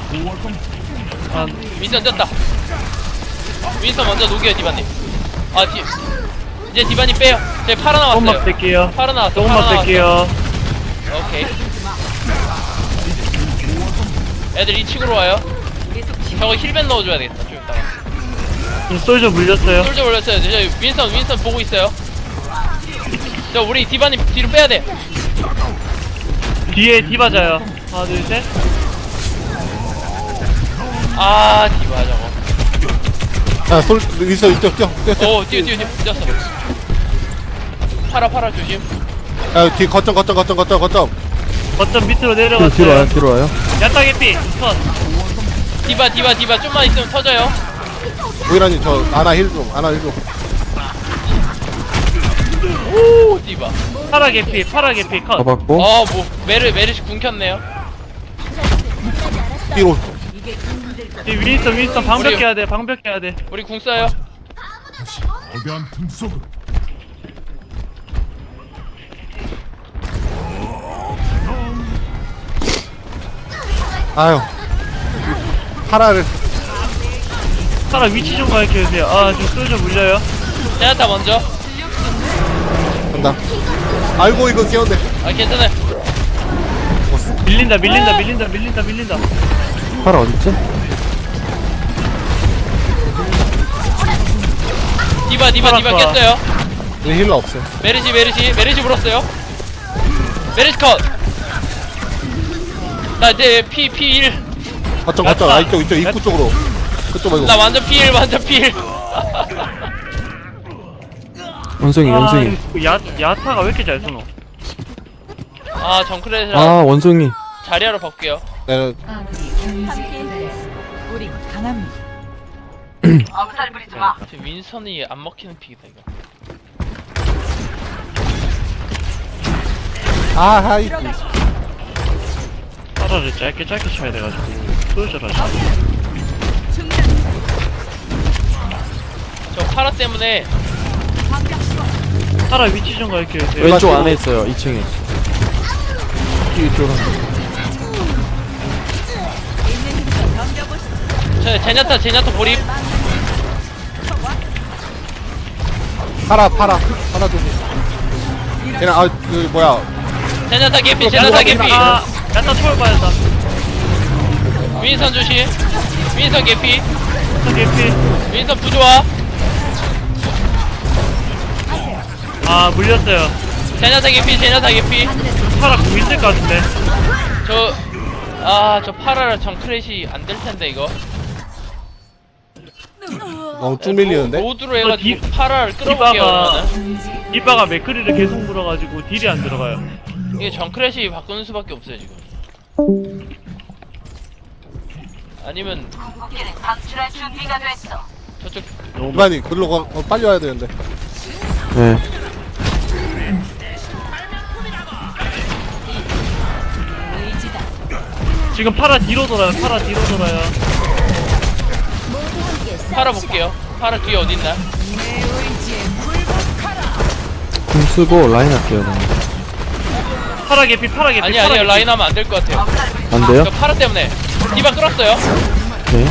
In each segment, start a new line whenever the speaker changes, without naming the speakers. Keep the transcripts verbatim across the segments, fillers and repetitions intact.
아,
윈선 떴다. 윈선 먼저 녹여요 디바님. 아 디, 이제 디바님 빼요. 저희 팔아 나왔어요.
조금만 뺄게요.
팔아 나왔어.
조금만 뺄게요.
오케이. 애들 이 층으로 와요. 저거 힐벤 넣어줘야 되겠다. 좀 이따가.
지금 솔저 물렸어요.
솔저 올렸어요. 저 윈선 윈선 보고 있어요. 저 우리 디바님 뒤로 빼야 돼.
뒤에 디바자요. 하나, 둘, 셋.
아 디바 저거.
아, 솔, 있어, 있죠, 뛰어, 뛰어, 뛰어.
오 뛰어 뛰어 뛰어 뛰었어. 팔아 팔아 조심.
아, 뒤, 거점, 거점, 거점, 거점, 거점.
거점 밑으로
뒤로,
내려갔어요.
뒤로 와요, 뒤로 와요.
야타 개피. 컷.
디바 디바 디바 좀만 있으면 터져요.
오이라님, 저, 아나 힐 좀, 아나 힐 좀.
오 디바.
파라 개피. 파라 개피. 컷.
잡았고.
어뭐 메르 메르시 궁 켰네요.
뒤로.
이 윈스턴 윈스턴 방벽
우리-
해야 돼. 방벽 해야 돼.
우리 궁 써요.
거대한 틈 속으로
아유. 파라를.
파라 위치 좀 가르쳐 주세요. 아, 지금 솔저 물려요.
제나타 먼저.
간다. 아이고, 이거 귀여운데.
아 괜찮아요.
밀린다. 밀린다. 밀린다. 밀린다. 밀린다.
파라 어딨지?
디바 디바 디바
팔았어.
깼어요.
이 힐러 없어요.
메르시 메르시 메르시 불었어요. 메르시 컷. 나 이제 피 피1.
거점, 거점. 아, 이쪽, 이쪽, 입구 쪽으로. 그쪽 말고.
나 완전 피일 완전 피일.
원숭이,
아,
원숭이.
이 야, 야타가 왜 이렇게 잘 쏘노?
아 정크레이랑
아, 원숭이.
자리하러 바꿀게요.
내가,
우리 강합니다.
지금 윈선이 안 먹히는 픽이다 이거.
아, 하이.
파라를 짧게 짧게 쳐야 돼가지고 솔저라 잘.
저 파라 때문에
파라 위치 좀 가르쳐 주세요.
왼쪽 안에 있어요, 이 층에.
이쪽으로.
저 제냐타 제냐타 보립.
파라, 파라. 파라 좀. 걔는, 아, 그, 뭐야.
제냐타 개피 제냐타 개피.
아, 야타 초월 받았다.
윈선 조심. 윈선 개피.
야타 개피.
윈선 부조화.
아, 물렸어요.
제냐타 개피 제냐타 개피.
파라 공 있을 것 같은데.
저 아 저 파라를 정크레이시 안 될 텐데 이거.
너무 쭉 밀리는데?
로드로 해가지고
디-
파라를 끌어볼게요.
디바가
그러면은.
디바가 맥크리를 계속 물어가지고 딜이 안 들어가요.
이게 정크레이시 바꾸는 수밖에 없어요 지금. 아니면 저쪽
이만이, 글로 가, 어, 빨리 와야 되는데.
네.
지금 파라 뒤로 돌아요. 파라 뒤로 돌아요.
파라 볼게요. 파라 뒤에 어딨나?
궁 쓰고 라인 할게요, 그냥.
파라 개피. 파라 개피.
아니
파라
아니요
개피.
라인 하면 안 될 것 같아요.
안 돼요?
저 파라 때문에 디바 끌었어요.
네.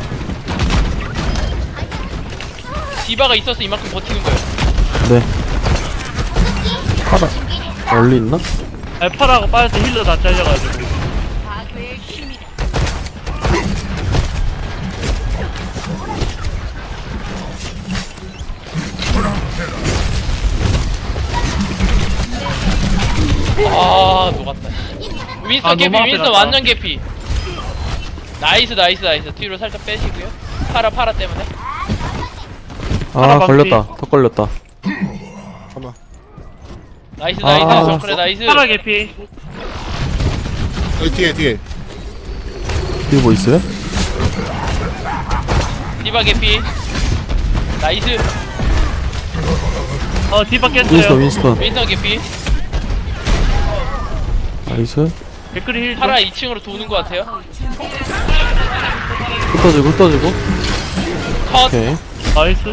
디바가 있어서 이만큼 버티는 거예요.
네. 파라. 멀리 있나?
아니, 파라가 빠져서 힐러 다 잘려가지고.
아 녹았다. 윈스턴
아,
개피
너무 앞에
윈스턴
갔다.
완전 개피. 나이스 나이스 나이스. 뒤로 살짝 빼시고요. 파라 파라 때문에.
아,
파라
걸렸다. 더 걸렸다.
잠깐만.
나이스
아.
나이스 정크레 나이스.
파라 개피.
여기 뒤에, 뒤에.
뒤에 뭐 있어요?
디바 개피. 나이스.
어, 디바
윈스턴,
깼어요.
윈스턴.
윈스턴 개피.
나이스.
맥크리 힐 좀.
파라 이 층으로 도는 것 같아요.
흩어지고, 흩어지고.
컷.
오케이.
나이스.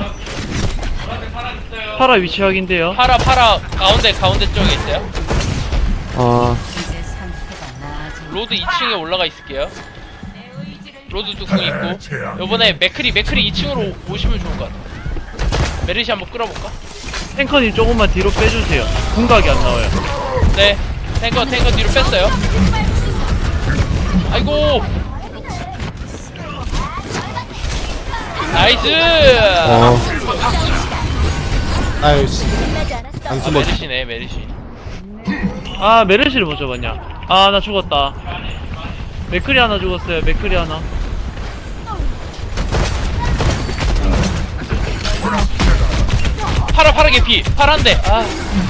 파라 위치 확인돼요.
파라 파라 가운데 가운데 쪽에 있어요.
아,
로드 이 층에 올라가 있을게요. 로드도 궁 있고. 요번에 맥크리 맥크리 이 층으로 오시면 좋을 것 같아. 메르시 한번 끌어볼까?
탱커님 조금만 뒤로 빼주세요. 궁각이 안 나와요.
네. 탱커 탱커 뒤로 뺐어요. 아이고. 나이스.
어
아유 씨. 안
아,
숨어.
메르시네 메르시.
아 메르시를 못 잡았냐. 아 나 죽었다. 맥크리 하나 죽었어요. 맥크리 하나.
파라 파라 개피. 파란데. 아.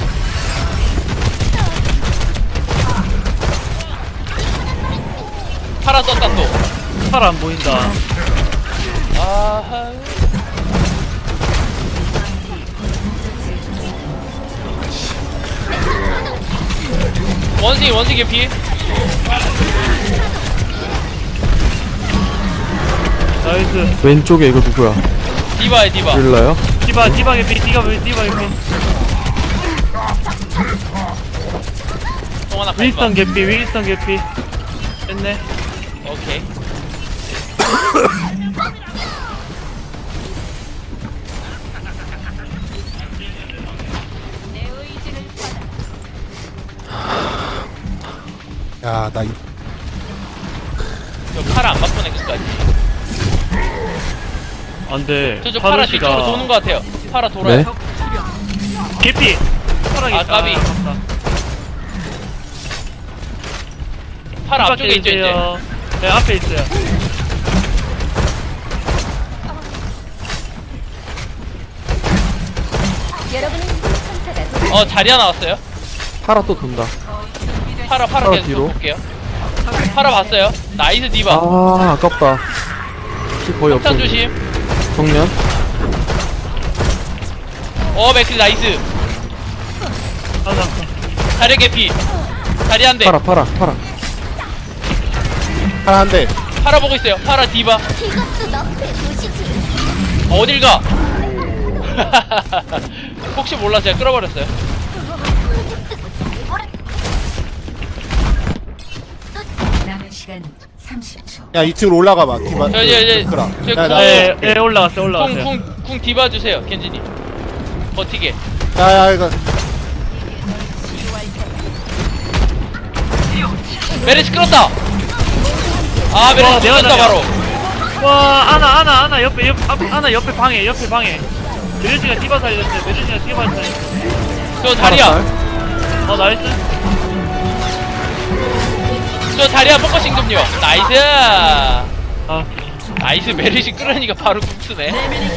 파라 떴다 또.
팔 안 보인다.
아하. 원숭이 원숭이 개피.
나이스.
왼쪽에 이거 누구야?
디바야 디바.
릴라요?
디바 디바 개피 디바 디바 개피.
똥 하나
윈스턴
가져가.
개피 윈스턴 개피. 됐네.
오케이.
야, 나 이,
저 파라 안 바꾸네 끝까지.
안돼.
저저 파라 뒤쪽으로 도는 것 같아요. 파라 돌아요.
네?
개피. 파라
아, 까비.
아깝다.
파라 앞쪽에 있죠 이제.
있어요. 네 앞에 있어요.
여러분은 천사가
어 자리야 나왔어요.
파라 또 돈다.
파라 파라
파라
계속
뒤로.
볼게요. 파라 봤어요. 나이스 디바.
아 아깝다. 피 거의 없어.
폭탄 조심.
정면.
어 맥클 나이스.
하나.
자리 개피. 자리 한 대.
파라 파라 파라.
하나 한 대.
파라 보고 있어요. 파라 디바.
이것도 너의 도시지.
어딜 가? 혹시 몰라 제가 끌어버렸어요.
남은 시간 삼십 초.
야, 이 층으로 올라가 봐. 디바.
저 이제 이제
그라.
저
야, 나,
네, 네 올라갔어요 올라갔어요.
쿵쿵쿵 디바 주세요 켄지님. 버티게.
야, 야, 이거.
메르시 끌었다. 아 메르시
와, 내가
끌었다
잘해.
바로.
와 아나 아나 아나 옆에 옆 앞, 아나 옆에 방에 옆에 방에. 메르시가 디바 살렸어요. 메르시가 디바 살렸어요.
저 자리야.
어 나이스.
저 자리야 포커싱 좀요. 나이스.
아
나이스 메르시 끌으니까 바로 국수네.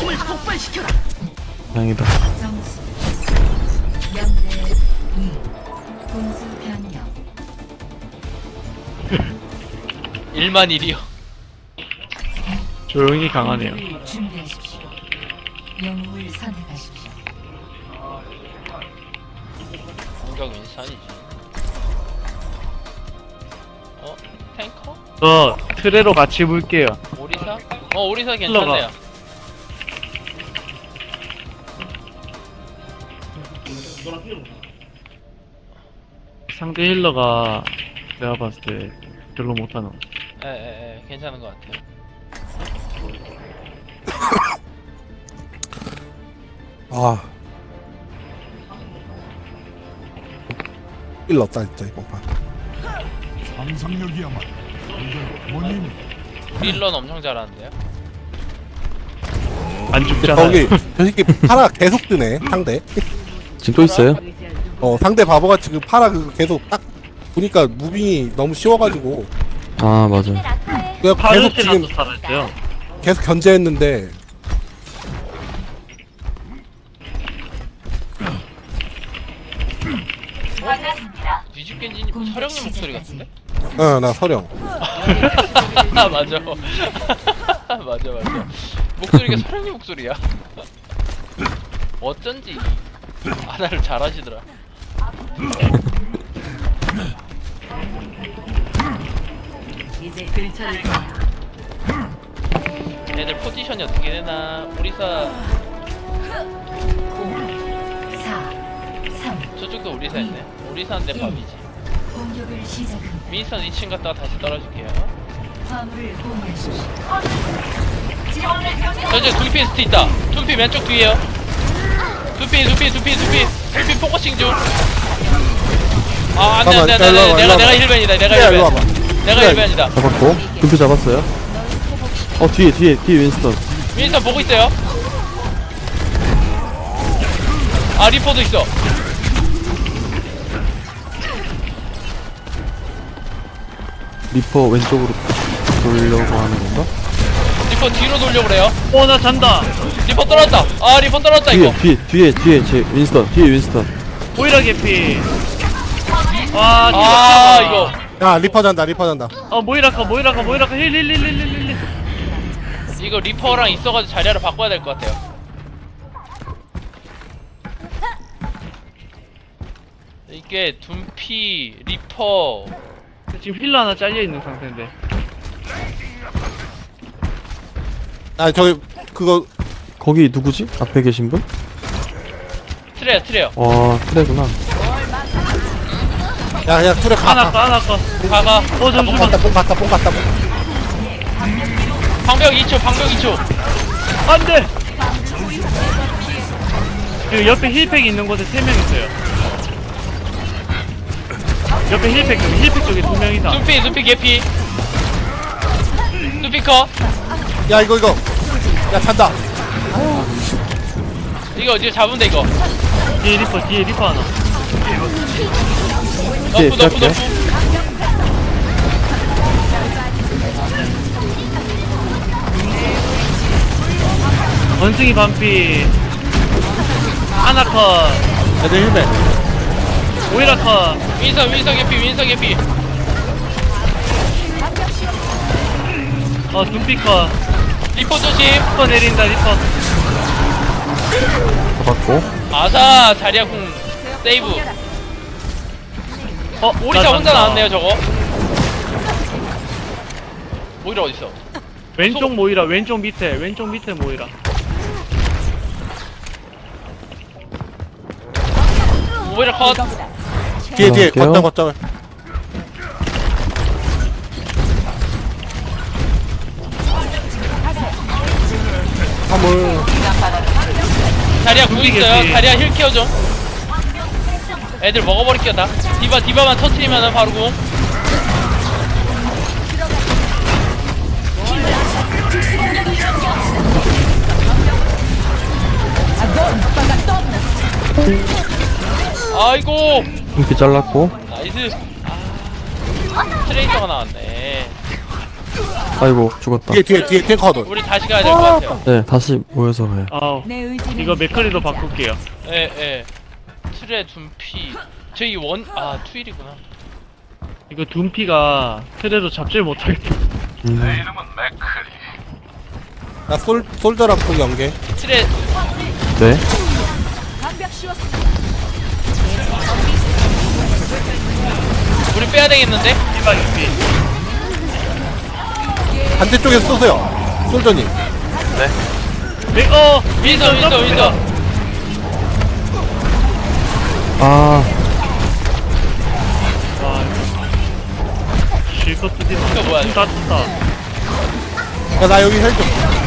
다행이다.
점수 영 대 이. 공수 변경.
일만 일이요.
조용히 강하네요.
공격을 준비하십시오. 영웅을 선택하십시오.
공격 윈산이지. 어? 탱커?
저 트레로 같이 볼게요.
오리사? 어 오리사 괜찮네요.
상대 힐러가 내가 봤을 때 별로 못하는.
에에에 괜찮은 것 같아요.
아. 일 넣었다, 진짜, 이번 판.
상상력이야말로 완전 원인.
딜런 엄청 잘하는데요.
안 죽잖아요.
거기, 저 새끼 파라 계속 뜨네, 상대.
지금 또 있어요?
어, 상대 바보같이 그 파라 그 계속 딱 보니까 무빙이 너무 쉬워가지고.
아 맞아.
라카의
그냥 계속
파르시라도
지금
살아있어요.
계속 견제했는데.
뒤집겐지님 서령님 목소리 같은데?
어, 나 서령.
맞아. 맞아 맞아. 목소리가 서령님 목소리야. 어쩐지 아나를 잘하시더라.
이제 근처를
애들 포지션이 어떻게 되나? 오리사
사, 삼.
저쪽도 오리사 있네. 오리사인데 밥이지.
공격을 시작합니다.
윈스턴 이 층 갔다가 다시 떨어질게요.
화물을 공유하십시오.
저 이제 둠피 스트 있다. 둠피 왼쪽 뒤에요. 둠피 둠피 둠피 둠피 둠피 포커싱 중. 아 안돼 안돼 안돼
잠깐만,
내가
일로 와봐,
내가
일로
힐벤이다 내가
그래, 일로 와봐.
힐벤. 내가
그래.
힐벤이다.
잡았고 금표 잡았어요. 어 뒤에 뒤에 뒤에 윈스턴.
윈스턴 보고 있어요. 아 리퍼도 있어.
리퍼 왼쪽으로 돌려고 하는 건가?
리퍼 뒤로 돌려 그래요.
어 나 잔다.
리퍼 떨어졌다. 아 리퍼 떨어졌다
뒤에
이거.
뒤에 뒤에 뒤에 제 윈스턴 뒤에 윈스턴.
모이라 개피. 아,
아
뒤졌다.
이거
야 리퍼 잔다 리퍼 잔다.
어 모이라카 모이라카 모이라카 힐힐힐힐힐힐.
이거 리퍼랑 있어가지고 자리를 바꿔야 될 것 같아요. 이게 둠피 리퍼
지금 힐러 하나 잘려 있는 상태인데.
아 저기 그거
거기 누구지? 앞에 계신 분?
트레요 트레요.
와 그래구나.
야 그냥 툴에 가.
하나
가.
거 하나 거.
가가
어
뽕
잠시만.
갔다 뽕 갔다 뽕 갔다 뽕.
방벽 이 초 방벽 이 초.
안돼. 그 옆에 힐팩 있는 곳에 세 명 있어요. 옆에 힐팩 힐팩 쪽에 두 명이다.
둠피 둠피 개피. 둠피 컷.
야 이거 이거. 야 잔다.
이거 이제 잡으면 돼 이거.
뒤에 리퍼 뒤에 리퍼 하나.
너프 너프
시작해.
너프.
원숭이 반피. 하나 컷.
애들 힐맨.
모이라 컷.
윈서 윈서 개피 윈서 개피.
어 둠피 컷.
리퍼 조심.
리퍼 내린다 리퍼.
잡았고.
아사 자리야 궁 세이브.
어
오리사
나
혼자
잔다.
나왔네요 저거. 오리라 어딨어?
왼쪽 모이라 왼쪽 밑에 왼쪽 밑에 모이라.
오리라 컷.
뒤에 뒤에
들어갈게요.
거점 거점을. 화물.
자리야 궁 있어요.
둠피겠지.
자리야 힐 케어 좀. 애들 먹어버릴게요 다. 디바 디바만 터트리면은 바로 궁. 아이고
금표 잘랐고.
나이스. 아, 트레이서가 나왔네.
아이고 죽었다.
뒤에 뒤에 뒤에 탱커들.
우리 다시 가야 될 것 같아요.
네 다시 모여서 가요.
아우
내 의지는
이거 맥커리도 바꿀게요.
예 예. 트레 둠피. 저희 원 아 투일이구나.
이거 둠피가 트레도 잡질 못하겠다.
음.
나솔 솔저랑 또 연계.
트레
네.
우리 빼야 되겠는데?
디바 개피.
반대쪽에서 쏘세요. 솔저님.
맥 어.
윈서 윈서 윈서.
아
와. 실컷 쓰지 마.
이거 뭐야?
다 tus다.
야 나 여기 헬 좀.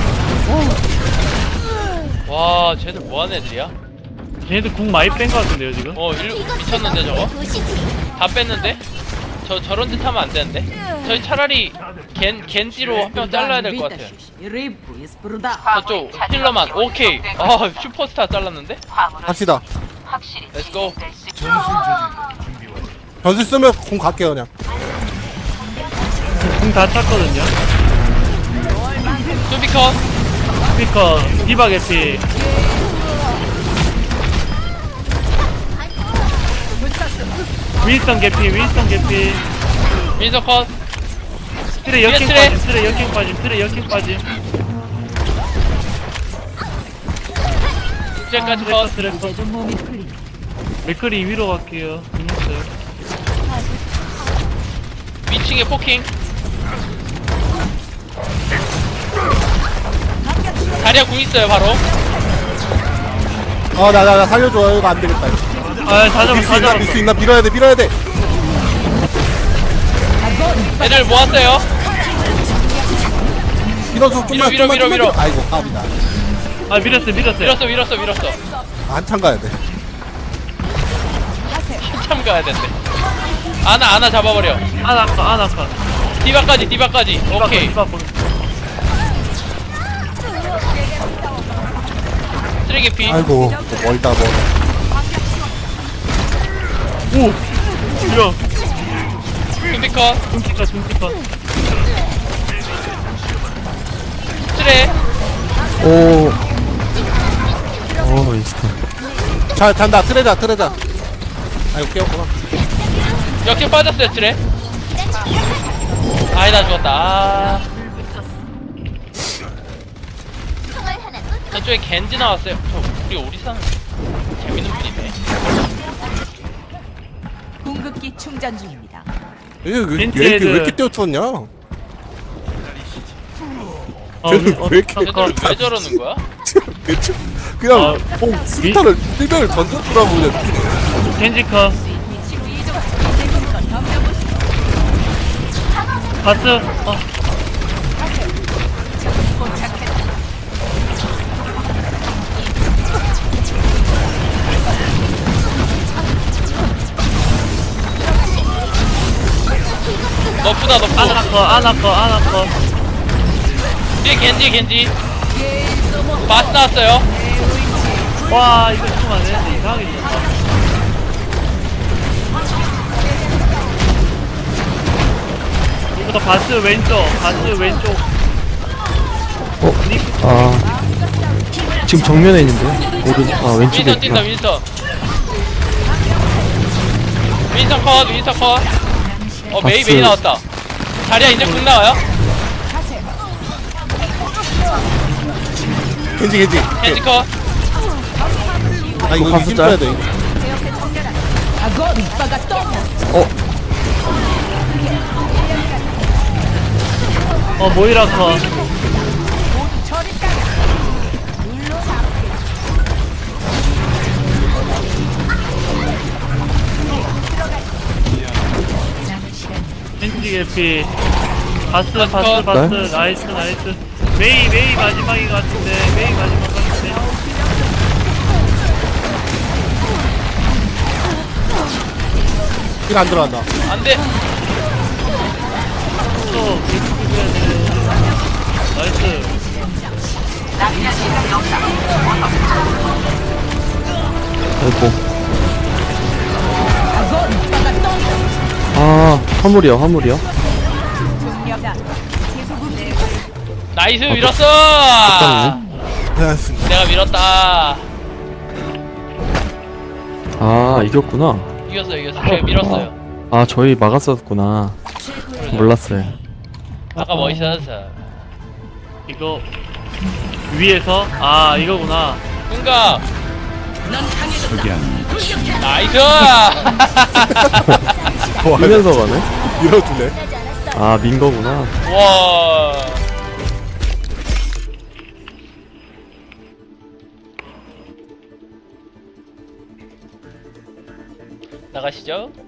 와 쟤들 뭐하는 애들이야?
쟤네들 궁 많이 뺀 거 같은데요 지금?
어 일로 미쳤는데 저거? 다 뺐는데? 저 저런 짓 하면 안 되는데? 저희 차라리 겐 겐지로 한 명 잘라야 될 것 같아요. 저쪽 힐러만 오케이. 아 슈퍼스타 잘랐는데?
합시다.
렛츠고.
변수 쓰면 공 갈게요 그냥.
궁 다 찼거든요.
뚜비컷.
스피커 디바 개피. 윈스턴 개피 윈스턴 개피.
윈서 컷.
트레 역행
트레.
빠짐 트레 역행 빠짐 트레 역행 빠짐.
이제까지
트레
컷.
컷 트레 컷.
이제 좀 몸이 풀리.
맥커리 위로 갈게요. 끝났어요.
위층에 포킹. 자리야 궁 있어요 바로.
어나 나 나 살려줘. 이거 안 되겠다.
아다
밀
잡았어
수
다
있나 밀 수
잡았어.
있나 밀어야 돼 밀어야 돼.
애들 모았어요.
밀어줘 좀만
밀어, 밀어,
좀만
밀어,
좀만 아이고 까비다.
아 밀었어 밀었어.
밀었어 밀었어 밀었어.
한참 가야 돼.
한참 가야 된대. 아나 아나 잡아버려.
아나 컷 아나 컷.
디바까지 디바까지. 오케이.
디바 보는.
쓰레기 피.
아이고 또 멀다 멀어.
오. 밀어.
둠피커.
둠피컷 둠피컷.
쓰레.
오. 오, 인스타.
자 잔다 트레다 트레다. 아이고 깨웠구나.
역행 빠졌어요 쓰레. 아이 나 죽었다. 아. 저쪽에 겐지 나왔어요. 저 우리 오리사는 재밌는 분이네.
공급기 충전 중입니다.
이게 왜, 왜,
벤츠
이렇게, 왜
애들.
이렇게 떼어쳤냐?
어,
쟤는
어,
왜 이렇게
어,
쟤들 왜 저러는 거야?
대충 그냥
아,
어, 수류탄을 일병을 던졌더라고 그냥.
겐지컷. 바스. 어.
너프다 너프.
아나 컷 아나 컷 아나 컷.
뒤에 겐지 겐지. 바스 나왔어요.
와 이거 죽으면 안 되는데 이상하게 죽었다. 이거 바스 왼쪽 바스 왼쪽.
어, 아. 지금 정면에 있는데? 오른, 아, 왼쪽에
윈선 뛴다
있구나.
윈선. 윈선 컷 윈선 컷. 어 메이
바스.
메이 나왔다. 자리야 이제 궁 나와요?
겐지 겐지.
겐지 컷.
아 이거
바스
힘
짤?
줘야 돼.
어,
어 모이라 컷. 겐지 개피. 바스 바스
컷.
바스 나이스 나이스. 메이 메이 마지막인 것 같은데 메이 마지막 같은데.
힐안 들어간다.
안돼.
또 계속 해야 돼. 나이스.
아이고. 아, 화물이야, 화물이야.
나이스
아,
밀었어.
깜짝이네.
고생하셨습니다.
내가 밀었다.
아, 이겼구나.
이겼어 이겼어. 제가 밀었어요.
아, 저희 막았었구나. 몰랐어요.
아까 멋있었어.
이거 위에서 아 이거구나.
궁각. 나이스.
하면서 가네?
밀어줄래?
아, 민 거구나.
와. 나가시죠.